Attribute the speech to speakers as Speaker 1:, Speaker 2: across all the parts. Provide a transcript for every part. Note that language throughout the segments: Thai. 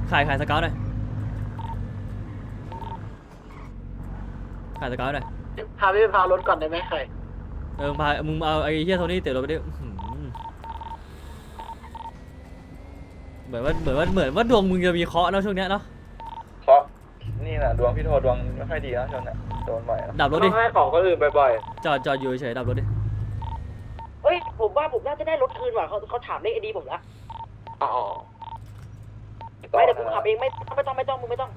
Speaker 1: ขายสเกลหน่อยขายสเกลหน่อย
Speaker 2: พาพี่พารถก่อนได้ไหมใคร
Speaker 1: มึงเอาไอ้เฮียโทนี่เตะรถไปดิเหมือนว่าดวงมึงจะมีเคราะห์เนาะช่วงเนี้ยเนาะ
Speaker 3: เพราะนี่แหละดวงพี่โทดวงไม่ค่อยดีนะช่วงเนี้ยโดนบ่อย
Speaker 1: ดับรถดิ
Speaker 2: ให้ของคนอื่นบ่อย
Speaker 1: จอดอยู่เฉยดับรถดิ
Speaker 4: เฮ้ยผมว่าผมน่าจะได้รถคืนว่ะเขาถามเลขไอดีผมละ
Speaker 2: อ๋อ
Speaker 4: ไม่เดี๋ยวผมขับเองไม่ต้องมึงไม่ต้อง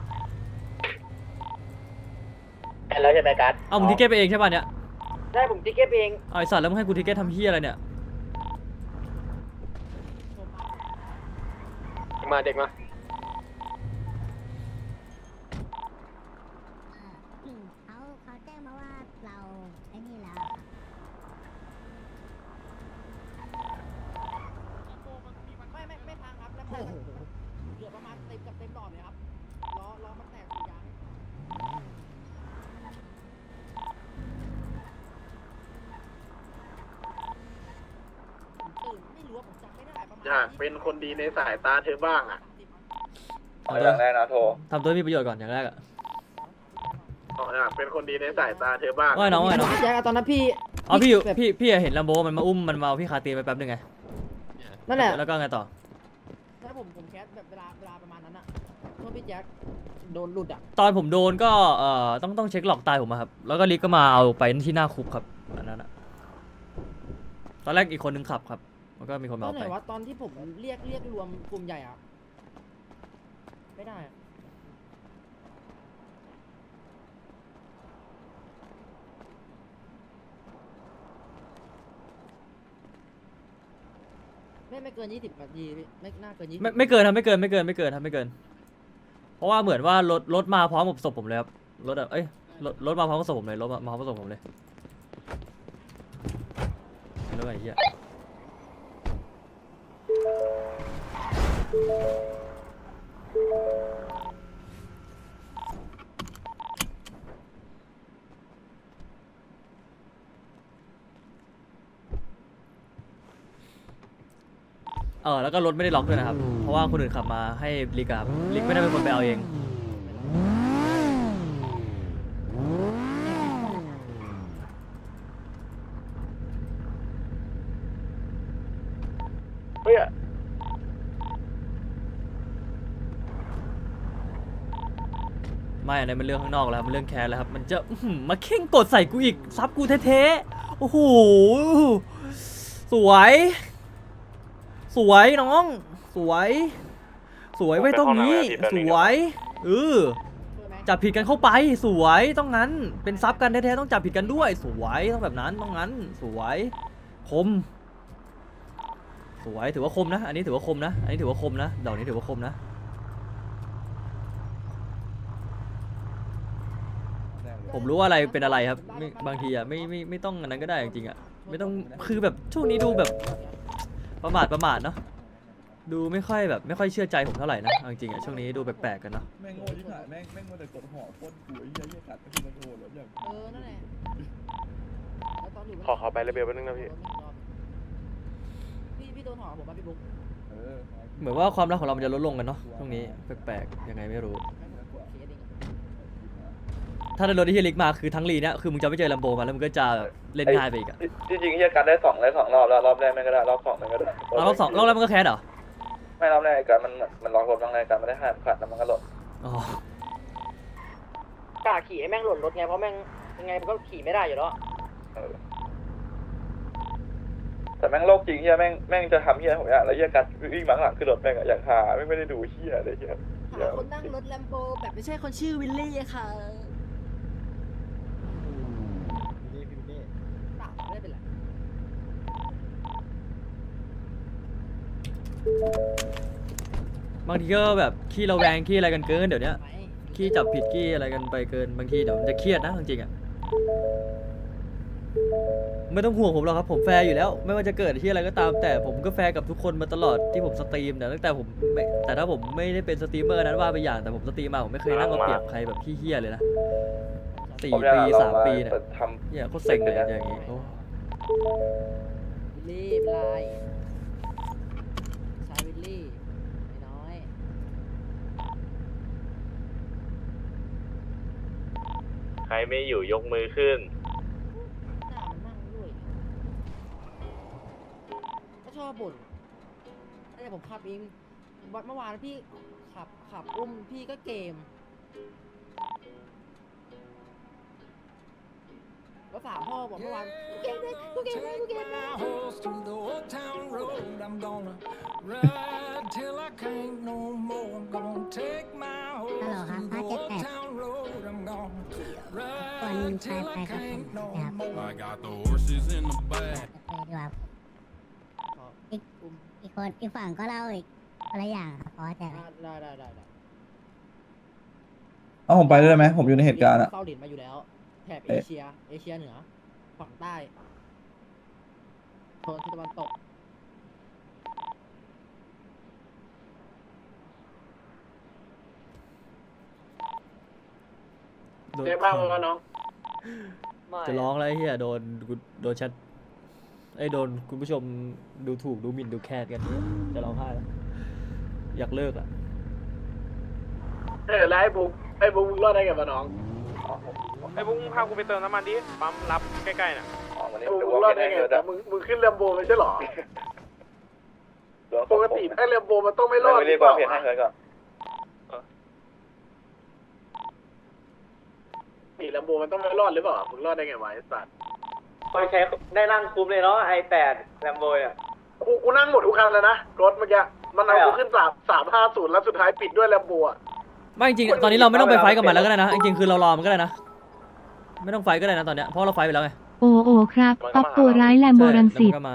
Speaker 2: แล้วจะไปการ์ด
Speaker 1: เอามึงทิเก็ตไปเองใช่ป่ะเนี่ย
Speaker 4: ได้ผมติ๊กเก็ตเอง
Speaker 1: ไอสัตว์แล้วมึงให้กูทิเก็ตทำเฮียอะไรเนี่ย
Speaker 2: มาเด็กมา
Speaker 5: เขาแจ้งมาว่าเราไอ้นี่แล้ว
Speaker 4: ไม่ทางครับแล้วเหลือประมาณเต็มดอกเลยครับล้อมันแตกสียางตื่นไม่รู้ว่าผมจำไม่ได้ประมาณ
Speaker 2: อยากเป็นคนดีในสายตาเธอบ้างอ่ะ
Speaker 3: อย่างแรกนะโท
Speaker 1: ทำตัวมีประโยชน์ก่อนอย่างแรกอะ
Speaker 2: อยากเป็นคนดีในสายตาเธอบ้าง
Speaker 1: ว่าน้อง
Speaker 4: แจ็คตอนนั้นพี่
Speaker 1: พี่เห็นลัมโบมันมาอุ้มมันมาพี่คาตีนไปแป๊บนึงไง
Speaker 4: นั่นแหละ
Speaker 1: แล้วก็ไงต่อ
Speaker 4: ถ้าผมแคสแบบเวลาประมาณนั้นอะเมื่อพี่แจ็คโดนหลุดอะ
Speaker 1: ตอนผมโดนก็ต้องเช็คหลอกตายผมครับแล้วก็ลิกก็มาเอาไปที่หน้าคุกครับอันนั้นอะตอนแรกอีกคนนึงขับครับแล้วก็มีคนมาเอาไป
Speaker 4: ตอนที่ผมเรียกรวมกลุ่มใหญ่อะไม่ได้ไม่เกิน20 นาทีไม่น่าเกิน20
Speaker 1: ไม่เกินครับไม่เกินเพราะว่าเหมือนว่ารถมาพร้อมกับศพผมเลยครับรถมาพร้อมกับศพผมเลยรถมาพร้อมกับศพผมเลยแล้วไอ้เหี้ยแล้วก็รถไม่ได้ล็อกด้วยนะครับเพราะว่าคนอื่นขับมาให้ลิกครับลิกไม่ได้เป็นคนไปเอาเอง
Speaker 2: เฮ้ย
Speaker 1: ไม่อันนี้มันเรื่องข้างนอกแล้วมันเรื่องแคสแล้วครับมันจะมาเข่งกดใส่กูอีกซับกูเท่ๆโอ้โหสวยน้องสวยไว้ตรงนี้สวยจับผิดกันเข้าไปสวยต้องงั้นเป็นซับกันแท้ๆต้องจับผิดกันด้วยสวยต้องแบบนั้นต้องงั้นสวยคมสวยถือว่าคมนะอันนี้ถือว่าคมนะดอกนี้ถือว่าคมนะผมรู้ว่าอะไรเป็นอะไรครับบางทีอ่ะไม่ต้องอันนั้นก็ได้จริงๆอ่ะไม่ต้องคือแบบช่วงนี้ดูแบบประมาทเนาะดูไม่ค่อยเชื่อใจผมเท่าไหร่นะจริงๆอ่ะช่วงนี้ดูแปลกๆกันเนาะ
Speaker 6: แม่งโง่ที่ไหนแม่งมาแต่กดห่อโคตรกูไอ้เหี้ยกัดไปที่มันโง่แล้วอย่าง
Speaker 4: นั่นแหละ
Speaker 2: ขอไประเบียบแป๊บนึงนะ
Speaker 4: พี่โดนห่อผมป่ะพี่บุ๊ก
Speaker 1: เหมือนว่าความรักของเรามันจะลดลงกันเนาะช่วงนี้แปลกๆยังไงไม่รู้ถ้าได้รถที่เฮียลิกมาคือทั้งลีเนี่ยคือมึงจะไม่เจอลัมโบมาแล้วมึงก็จะเล่นง่ายไปอีกอะ
Speaker 3: จริงๆเฮียกันได้2รอบแล้วรอบแรกไม่ก็ได้รอบ2ไม่ก็ได้
Speaker 1: รอบแรกมันก็แคสเหรอ
Speaker 3: ไม่รอบแรกกันมันล็อกรถบางรายการไม่ได้ห้ามขัดแล้วมันก็หล่น
Speaker 4: กล้าขี่ไอ้แม่งหล่นรถไงเพราะแม่งยังไงมันก็ขี่ไม่ได้อยู่แล้ว
Speaker 3: แต่แม่งโลกจริงเฮียแม่งจะทำเฮียผมเนี่ยแล้วเฮียกันวิ่งมาข้างหลังขึ้นรถแม่งอย่างหาไม่ได้ดูเฮียเลยเฮีย
Speaker 4: คนนั่งรถแลมโบแบบไม่ใช่คนชื่อวิลลี่ค่ะไม่เป็นไร
Speaker 1: บางทีก็แบบขี้ระแวงขี้อะไรกันเกินเดี๋ยวนี้ขี้จับผิดขี้อะไรกันไปเกินบางทีเดี๋ยวมันจะเครียดนะจริงๆอ่ะไม่ต้องห่วงผมหรอกครับผมแฟร์อยู่แล้วไม่ว่าจะเกิดที่อะไรก็ตามแต่ผมก็แฟร์กับทุกคนมาตลอดที่ผมสตรีมแต่ตั้งแต่แต่ถ้าผมไม่ได้เป็นสตรีมเมอร์นั้นว่าไปอย่างแต่ผมสตรีมมาผมไม่เคยนั่งมาเปรียบใครแบบขี้เหี้ยเลยนะ4 ปี 3 ปีเนี่ยเนี่ยโคตรเซ็งเลยอย่างงี้
Speaker 4: วิลลี่เป็นไรชายวิลลี่น้อย
Speaker 2: ใครไม่อยู่ยกมือขึ้น
Speaker 4: หน้ามันนั่งด้วยก็ชอบบ่นแต่ผมขับเองวันเมื่อวานพี่ขับอุ้มพี่ก็เกมแล้วถามพ่อบอกเมื่อวานกูเกมเลยกูเกมเลยกูเกมเลย
Speaker 7: horse to the old town road. I'm gonna ride till I can't no more. I'm gonna take my horse
Speaker 5: Hello,
Speaker 7: to the
Speaker 5: Hot
Speaker 7: old
Speaker 5: Pocket
Speaker 7: town road. I'm gonna
Speaker 5: คน
Speaker 7: ride
Speaker 5: ไป
Speaker 7: till
Speaker 5: ไป
Speaker 7: I
Speaker 5: กับผม
Speaker 7: can't no
Speaker 5: นะครับ
Speaker 7: more.
Speaker 8: I got the horses in the back.
Speaker 5: ไปดีกว่าอีกคนอีกฝั่งก็เล่าอีกอะไรอย่างครับพอแต่
Speaker 4: ได้
Speaker 6: เอาผมไปด้วยได้ไหมผมอยู่ในเหตุการณ์อะ
Speaker 4: เฝ้าดินมาอยู่แล้วแถบเอเชียเหนือฝั่งใต้โซนทิศตะวันตก
Speaker 2: เจ๊บ้างแล้วน้อง
Speaker 1: จะร้องแล้วไอ้เฮียโดนแชทโดนคุณผู้ชมดูถูกดูหมิ่นดูแคลนกันจะร้องไห้แล้วอยากเลิกอ่ะ
Speaker 2: แล้วไอ้บุ๊กมึงรอดได้ไงวะน้อง
Speaker 3: ไอ้บุ้งพากูไปเติมน้ำมันดิปั๊มรับใกล้ๆน่ะวัน
Speaker 2: ไอ้
Speaker 3: นี้
Speaker 2: บุ๊ก
Speaker 3: ดู
Speaker 2: มึงรอ
Speaker 3: ว่า
Speaker 2: ดได้
Speaker 3: ไม่
Speaker 2: ไง
Speaker 3: ได้เกิด
Speaker 2: แต่
Speaker 3: อะ
Speaker 2: มึงขึ้นแลมโบไม่ใช่หรอ ปกติถ้าแลมโบมันต้องไม่รอด
Speaker 3: ไม่รีบบอกเพจให้เกิดก่อน
Speaker 2: ปีแลมโบมันต้องไม่รอดหรือเปล่ามึงรอดได้ไงวะไอ้สัตว์
Speaker 3: คอยใช้ได้นั่งคุ้มเลยเนาะi8 แลมโบอ่ะ
Speaker 2: กูนั่งหมดทุกคันแล้วนะรถเมื่อกี้มันเอากูขึ้น350แล้วสุดท้ายปิดด้วยแลมโบอ่ะ
Speaker 1: ไม่จริงๆตอนนี้เราไม่ต้องไปไฟท์กับมันแล้วก็ได้นะจริงๆคือเรารอมันก็ได้นะไม่ต้องไฟท์ก็ได้นะตอนเนี้ยเพราะเราไฟท์ไปแล้วไง
Speaker 9: โอ้ครับออกตัวร้ายแลมโบรังสิต
Speaker 1: ใช่แล้วมันก็มา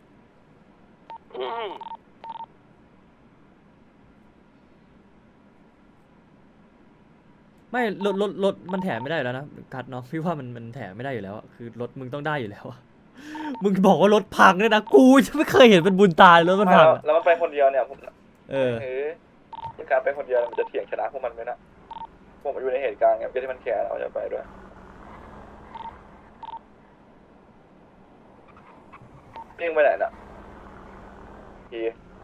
Speaker 1: ไม่รถมันแถมไม่ได้อยู่แล้วนะกัดเนาะพี่ว่ามันแถมไม่ได้อยู่แล้วอะคือรถมึงต้องได้อยู่แล้วอะมึงบอกว่ารถพังเลยนะกูจะไม่เคยเห็นเป็นบุญตายรถมันพังอะ
Speaker 3: แล้วมันไปคนเดียวเนี่ยผม
Speaker 1: เออ
Speaker 3: ที่การไปคนเดียวมันจะเถียงชนะพวกมันไหมนะผมอยู่ในเหตุการณ์ไงที่มันแคร์เราจะไปด้วยเร่งไปไหนน่ะพี่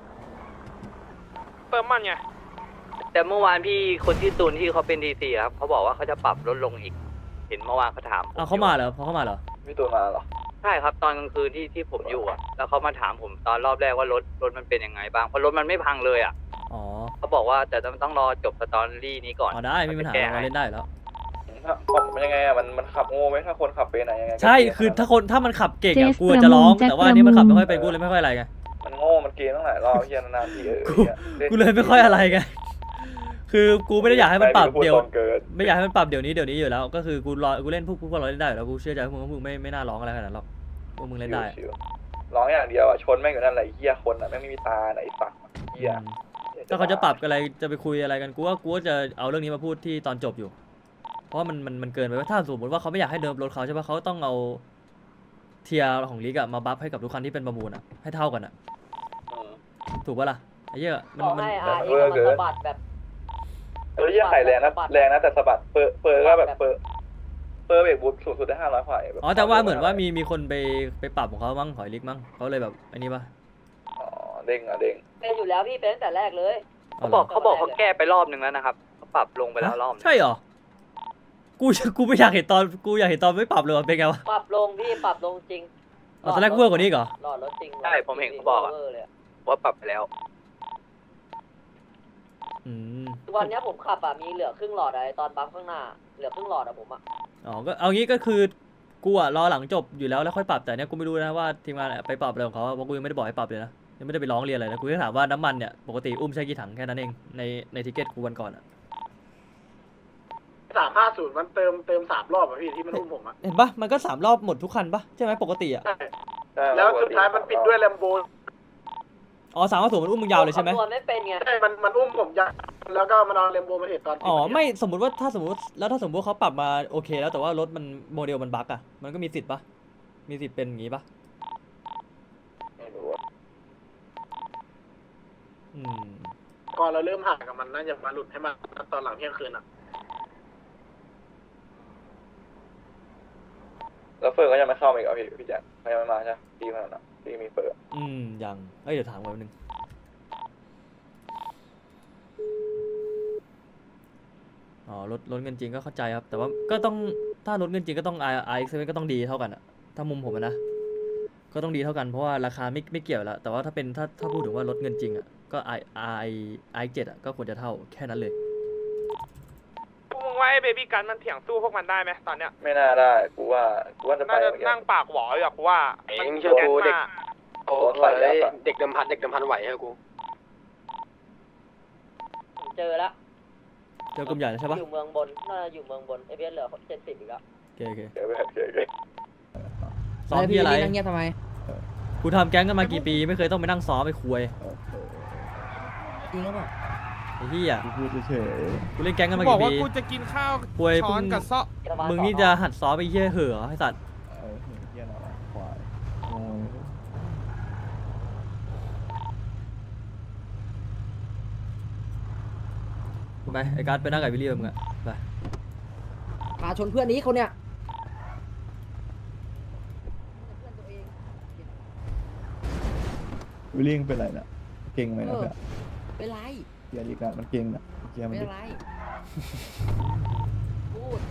Speaker 3: เติมมันไง
Speaker 10: แต่เมื่อวานพี่คนที่ตูนที่เขาเป็นดีซีครับเขาบอกว่าเขาจะปรับลดลงอีก เห็นเมื่อวานเขาถาม
Speaker 1: เอาเขามาเหรอพอเขามาเหรอ
Speaker 3: พี่ตูนมาเหรอ
Speaker 10: ใช่ครับตอนกลางคืนที่ผมอยู่อ่ะแล้วเขามาถามผมตอนรอบแรกว่ารถมันเป็นยังไงบ้างเพราะรถมันไม่พังเลยอ่ะ
Speaker 1: อ๋อ
Speaker 10: เขาบอกว่าแต่ต้องรอจบสตอรี่นี้ก่อน
Speaker 1: อ๋อได้ไม่มีปัญหาเราเล่นได้อยู่แล้ว
Speaker 3: มันยังไงอ่ะมันขับโง่ไหมถ้าคนขับเป็นยังไง
Speaker 1: ใช่คือถ้ามันขับเก่งอะกูจะร้องแต่ว่าอันนี้มันขับไม่ค่อยเป็นกูเลยไม่ค่อยอะไรไง
Speaker 3: มันโง่มันเกมตั้งหลายรอบเฮียนานๆที
Speaker 1: กูเลยไม่ค่อยอะไรไงคือกูไม่ได้อยากให้มันปรับเดี๋ยว
Speaker 3: เกิด
Speaker 1: ไม่อยากให้มันปรับเดี๋ยวนี้อยู่แล้ว ก็คือกูเล่นพวกเราเล่นได้อยู่แล้วกูเชื่อใจพวกมึงไม่น่าร้องอะไรขนาดนั้นหรอกพวกมึงเล่นได้
Speaker 3: ร้องอย่างเดียวอ่ะชนแม่งอยู่นั่นแหละเฮียคนอ่ะแม่งไม่มีตาไหนสักเฮีย
Speaker 1: ถ้าเขาจะปรับอะไรจะไปคุยอะไรกันกูว่าจะเอาเรื่องนี้มาพูดที่ตอนจบอยู่ เพราะว่ามันเกินไปว่าถ้าสมมติว่าเขาไม่อยากให้เดิมรถเขาใช่ปะเขาต้องเอาเทียร์ของลีกอะมาบัฟให้กับทุกคันที่เป็นประมูลอะให้เท่ากันอะถูกปะล่ะไอ้เหี้ยมัน
Speaker 3: เวอร์เกินเฮียไข่แรงนะแต่สะบัดเปอร์ก็แบบเปอร์เบรกบูทสูงสุดได้500กว่า
Speaker 1: อ๋อแต่ว่าเหมือนว่ามีคนไปปรับของเขามั้งหอยลิกมั้งเขาเลยแบบอันนี้ปะ
Speaker 3: อ๋อเด้งอ่ะเด้ง
Speaker 4: เป็นอยู่แล้วพี่เป็นตั้งแต่แรกเลย
Speaker 10: เขาบอกเขาแก้ไปรอบนึงแล้วนะครับเขาปรับลงไปแล้วรอบนึง
Speaker 1: ใช่เหรอกูไม่อยากเห็นตอนไม่ปรับเลยเป็นไงวะ
Speaker 4: ปรับลงพี่ปรับลงจริง
Speaker 1: อ๋อตอนแรกเวอร์กว่านี้เหรอ
Speaker 4: หลอดรถจริง
Speaker 10: ใช่ผมเห็นเขาบอกอะว่าปรับไปแล้ว
Speaker 4: วันนี้ผมขับมีเหลือครึ่งหลอดอะไรตอนบัฟข้างหน้าเหลือครึ่งหลอดผม
Speaker 1: อ๋อก็เอางี้ก็คือกูอะรอหลังจบอยู่แล้วค่อยปรับแต่เนี้ยกูไม่รู้นะว่าทีมงานไปปรับอะไรของเขาเพราะกูยังไม่ได้บอกให้ปรับเลยนะยังไม่ได้ไปร้องเรียนอะไรนะกูแค่ถามว่าน้ำมันเนี่ยปกติอุ้มใช้กี่ถังแค่นั้นเองในทิเก็ตกูวันก่อนอะ
Speaker 2: 350มันเติม3 รอบอ่ะพี่ที่มันอุ้มผมอ่ะ
Speaker 1: เห็นปะมันก็3 รอบหมดทุกคันปะใช่ไหมปกติอะ
Speaker 2: แล้วสุดท้ายมันปิดด้วยแลมโบ
Speaker 1: อ๋อ350มันอุ้มมึงยาวเลยใช่ไหม
Speaker 4: ตัวไม่เป็นไง
Speaker 2: ใช่มันอุ้มผมยาวแล้วก็มันเอาแลมโบมาเห็นตอน
Speaker 1: อ๋อไม่สมมติว่าถ้าสมมติเขาปรับมาโอเคแล้วแต่ว่ารถมันโมเดลมันบั๊กอะมันก็มีสิทธิ์ปะมีสิทธิ์เป็นอย่างงี้ปะ
Speaker 3: ไม่รู้
Speaker 2: ก่อนเราเริ่มห่างกับมันน่าจะมาหลุดให้มาตอนหลังเที่ยงคืนอ่ะ
Speaker 3: แล้วเฟิร์ก็ยังไม่เข้ามาอีกเหรอพี่แจ๊คเขายังไม่มาใช่ตีมันอ่ะตีมีเฟิร์
Speaker 1: ยังเดี๋ยวถามไว้นึงอ๋อลดเงินจริงก็เข้าใจครับแต่ว่าก็ต้องถ้ารถเงินจริงก็ต้อง RX7 ก็ต้องดีเท่ากันอะถ้ามุมผมอะนะก็ต้องดีเท่ากันเพราะว่าราคาไม่เกี่ยวแล้วแต่ว่าถ้าเป็นถ้าพูดถึงว่ารถเงินจริงอะก็ RX7 อะก็ควรจะเท่าแค่นั้นเลย
Speaker 2: มึงว่าไอ้เบบี้กันมันเถียงสู้พวกมันได้ไหมตอนเนี้ย
Speaker 3: ไม่น่าได้กูว่าจะไป
Speaker 2: น่าจะ
Speaker 3: เหมือนกั
Speaker 2: นั่งปากหวออยู่กูว่า
Speaker 3: มึงเชื่อกูเด็กโอ้ใส่แล้ว
Speaker 10: เด็กเดิมพันไหวให้กูเจอแล้ว
Speaker 1: เจอกลุ่มใหญ่แล้วใช่ปะ
Speaker 10: อยู่เมืองบนน่าจะอยู่เมืองบนเอเบียเหลือ70อีกแล้ว
Speaker 1: โอเค
Speaker 3: เดี๋ยวไปเดี๋ยว
Speaker 1: ซ้อมที่อะไร
Speaker 4: นั่งเงียบทำไม
Speaker 1: กูทำแก๊งกันมากี่ปีไม่เคยต้องไปนั่งซ้อมไปคุย
Speaker 4: จริงหรือเปล่า
Speaker 1: ไอ้เหี้ย
Speaker 6: กูพูดเฉย
Speaker 1: กูเล่นแก๊งกันมา
Speaker 2: บอก
Speaker 1: กี่
Speaker 2: ว่า
Speaker 1: ปี
Speaker 2: กูจะกินข้าว
Speaker 1: คุย
Speaker 2: ช้อนกับซ้อ
Speaker 1: มึงนี่จะหัดซ้อมไปเหี้ยเห่อไอ้สัตว์
Speaker 6: เฮียเราควายโง่
Speaker 1: ไปไอ้การ์ดไปนั่งกับวิลลี่มึงอะไป
Speaker 4: พาชนเพื่อนนี้เขาเนี่ย
Speaker 6: วิลลิ่งเป็นไรเนี่ยเก่งไหมนะเพื่อน
Speaker 4: เป็นไร
Speaker 6: เฮียดีการมันเก่งนะเฮียมัน
Speaker 4: เป็น
Speaker 6: ดิ
Speaker 4: ไร พูด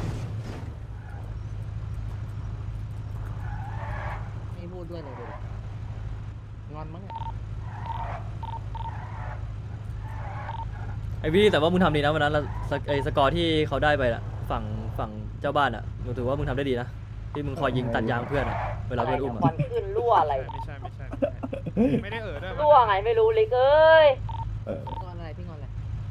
Speaker 4: ไม่พูดด้วยเลยดูดิงอนมั้งเนี่ย
Speaker 1: ไอ้วิลลี่แต่ว่ามึงทำดีนะวันนั้นไอ้สกอร์ที่เขาได้ไปอะฝั่งเจ้าบ้านอะมึงถือว่ามึงทำได้ดีนะที่มึงคอยยิงตัดยางเพื่อนอะเวลาเพื่อนอุ้ม
Speaker 10: ควั
Speaker 1: อะ
Speaker 10: นขึ้นรั่วอะไร
Speaker 2: ไม่ใช่ไม่ได้ด้วย
Speaker 10: รั่วไงไม่รู้ลิกเอ้ย
Speaker 4: งอนอะไรพี่งอนอะไร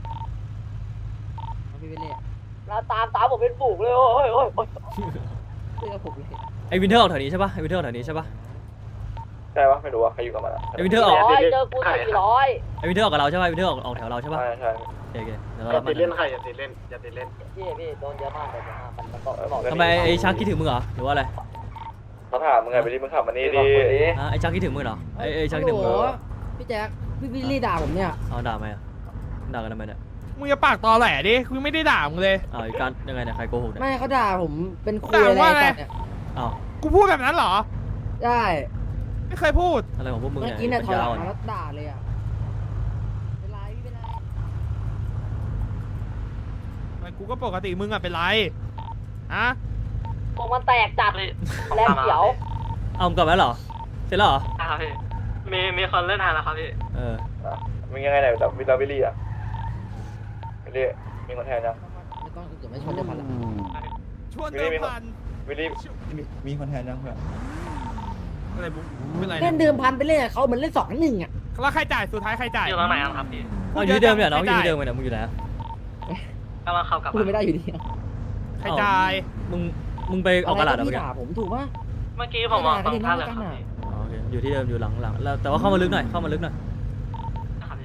Speaker 4: เอาพี่ไปเล่
Speaker 10: เราตามผมเป็นฝูงเลยโอ้ย
Speaker 4: เพื่อผมเลย
Speaker 1: ไอ้วินเทอร์ออกแถวนี้ใช่ปะไอ้วินเทอร์ออกแถวนี้ใช่ปะ
Speaker 3: ใช่ปะไม่รู้ว่าใครอยู่กับมัน
Speaker 1: ไอ้วินเทอร์ออก
Speaker 10: เจอกู400
Speaker 1: ไอ้วินเทอร์ออกกับเราใช่ปะไอ้วินเทอร์ออกแถวเราใช่ปะ
Speaker 3: ใช่ใช่
Speaker 1: โอเคเดี๋ยว
Speaker 2: อ
Speaker 1: เรา
Speaker 2: ย่า
Speaker 1: รับมั
Speaker 2: ติดเล่น
Speaker 1: น
Speaker 2: ใครอย่าติดเล่นอย่าติดเล่น
Speaker 10: พี่โดนเยอะมากมันบอก
Speaker 1: ทำไมไอ้ชักคิดถึงมึงเหรอหรือว่าอะไร
Speaker 3: เขาถามมึงไงไปดิมึงขับมานี่ดิ
Speaker 1: ไอ้ชักคิดถึงมึงเหรอไอ้ชักคิดถึงมึงเหรอ
Speaker 4: พี่แจ๊คพี่วิลลี่ด่าผมเนี่ย
Speaker 1: เอาด่าไหมอะด่ากันทำไมเนี่ย
Speaker 2: มึงอย่าปากตอแหลดิกูไม่ได้ด่ามึงเลย
Speaker 1: อ้าวอีการยังไงเนี่ยใครโกหกเนี่ย
Speaker 4: ไม่เขาด่าผมเป็นคุย
Speaker 2: ด่า
Speaker 4: อะไร
Speaker 2: ว่าอะไร
Speaker 4: กันเนี่ย
Speaker 1: อ้าว
Speaker 2: กูพูดแบบนั้นเหรอ
Speaker 4: ได้
Speaker 2: ไม่เคยพูด
Speaker 1: อะไรของพวกมึง
Speaker 4: เมื่อ
Speaker 1: เนี่ย
Speaker 4: กี้เนี่ยถอยหลัง
Speaker 1: ปัญญาอ่อน
Speaker 4: มาแล้วด่าเลยอ่ะเป็นไรพี่เป็นไร
Speaker 2: กูก็ปกติมึงอะเป็นไรฮะ
Speaker 10: พวกมันแตกจัดแรงเขียว
Speaker 1: เอามึงกลับมาแล้วเหรอเสร็จแล้วเหรอ
Speaker 10: ครับพี่มีคนเล่นทางแล้วครับพี่
Speaker 1: เออ
Speaker 3: มึงยังไงเนี่ยแบบวิลลี่อะวิลลี่มีคนแทนยัง
Speaker 4: ไม่ต้องเดี๋ยวไม่ชนเดี๋ยวพันละ
Speaker 2: ชวนเดิมพัน
Speaker 3: วิลลี่
Speaker 6: มีคนแทนยังเพื่อน
Speaker 2: อะไรบุ๊กเป็นไร
Speaker 4: เล่นเดิมพันไปเล่นกับเขาเหมือนเล่น2-1อ่ะ
Speaker 2: แล้วใครจ่ายสุดท้ายใครจ่าย
Speaker 10: อยู่ตรงไหนครับพี่
Speaker 1: เอาอยู่ที่เดิมเนี่ยน้องอยู่ที่เดิมเนี่ยมึงอยู่ไหนอะ
Speaker 10: กำลังเข้ากลับ
Speaker 4: พูดไม่ได้อยู่ดี
Speaker 2: ใครจ่าย
Speaker 1: มึงไปออกกระดาษเหรอ
Speaker 4: พี่
Speaker 1: เมื่อกี้
Speaker 4: ด่าผมถูกป่ะ
Speaker 10: เมื่อกี้ผมมองตรงท่าเลยครับ
Speaker 1: อ๋อโอเคอยู่ที่เดิมอยู่หลังแล้วแต่ว่าเข้ามาลึกหน่อยเข้ามาลึกหน่อย
Speaker 10: พี่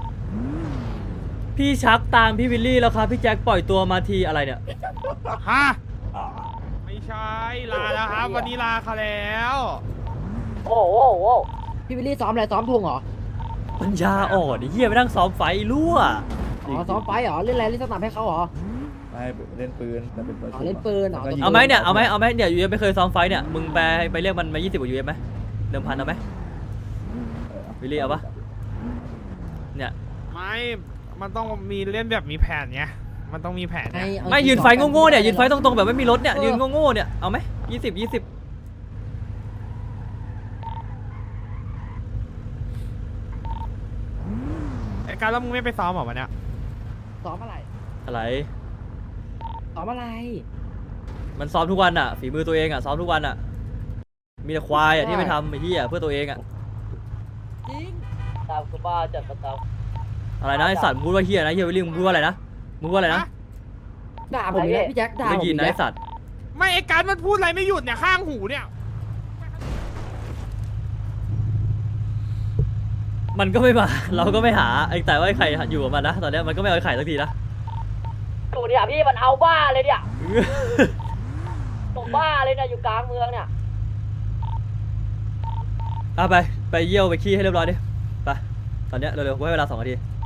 Speaker 1: พี่ชักตามพี่วิลลี่แล้วครับพี่แจ็คปล่อยตัวมาทีอะไรเนี่ย
Speaker 2: ฮะไม่ใช่ลาแล้วครับ วันนี้ลาเขาแล้ว
Speaker 10: โอ้โห
Speaker 4: พี่วิลลี่ซ้อมอะไรซ้อมทงเหรอ
Speaker 1: ปัญญาอ่อนไอ้เหี้ยไปนั่งซ้อมไฟรั่ว
Speaker 4: อ๋อซ้อมไฟเหรอเล่นอะไรเล่นสนามให้เขาเหรอ
Speaker 6: ไม่เล่นปืนแต่เป็นตัว
Speaker 4: อ๋อเล่นปืนเหรอ
Speaker 1: เอาไหมเนี่ยเอาไหมเนี่ยยูเอฟไม่เคยซ้อมไฟเนี่ยมึงไปเรียกมันมา20กว่ายูเอฟไหมเดิมพันเอาไหมวิลลี่เอาปะเนี่ย
Speaker 2: ไม่มันต้องมีเล่นแบบมีแผนไงมันต้องมีแผนไง
Speaker 1: ไม่ยืนไฟโง่ๆเนี่ยยืนไฟตรงๆแบบไม่มีรถเนี่ยยืนโง่ๆเนี่ยเอาไหม20
Speaker 2: ไอ้การแล้วมึงไม่ไปซ้อมเหรอวันเนี้ย
Speaker 4: ซ้อมอะไร
Speaker 1: อะไร
Speaker 4: ซ้อมอะไร
Speaker 1: มันซ้อมทุกวันอ่ะฝีมือตัวเองอ่ะซ้อมทุกวันอ่ะมีแต่ควายอ่ะที่ไปทำไอ้เหี้ยเพื่อตัวเองอ่ะ
Speaker 4: จริง
Speaker 10: ตามกูบ้าจัดประจ
Speaker 1: อะไรนะไอสัตว์มึงพูดว่าเหี้ยนะเหี้ยวิลลี่มึงพูดว่าอะไรนะมึงพูดว่าอะไรนะ
Speaker 4: ด่าผมเนี่ยพี่แจ็คด่า
Speaker 1: ได้
Speaker 4: ผม
Speaker 1: ยินนะ
Speaker 4: อี
Speaker 1: ไอก สัตว์
Speaker 2: ไม่ไอ้การมันพูดอะไรไม่หยุดเนี่ยข้างหูเนี่ย
Speaker 1: มันก็ไม่มา เราก็ไม่หาไอ้แต่ว่าไอ้ไข่อยู่กับมันนะตอนเนี้ยมันก็ไม่เอาไอ้ไข่สักทีนะ
Speaker 10: ำตัวเนี่ยพี่มันเอาบ้าเลยเนี่ยตรงบ้าเลยเนี่ยอยู่กลางเมืองเนี่ย
Speaker 1: ไปเยี่ยวไปขี้ให้เรียบร้อยดิไปตอนเนี้ยเร็วๆกูให้เวลา2 นาที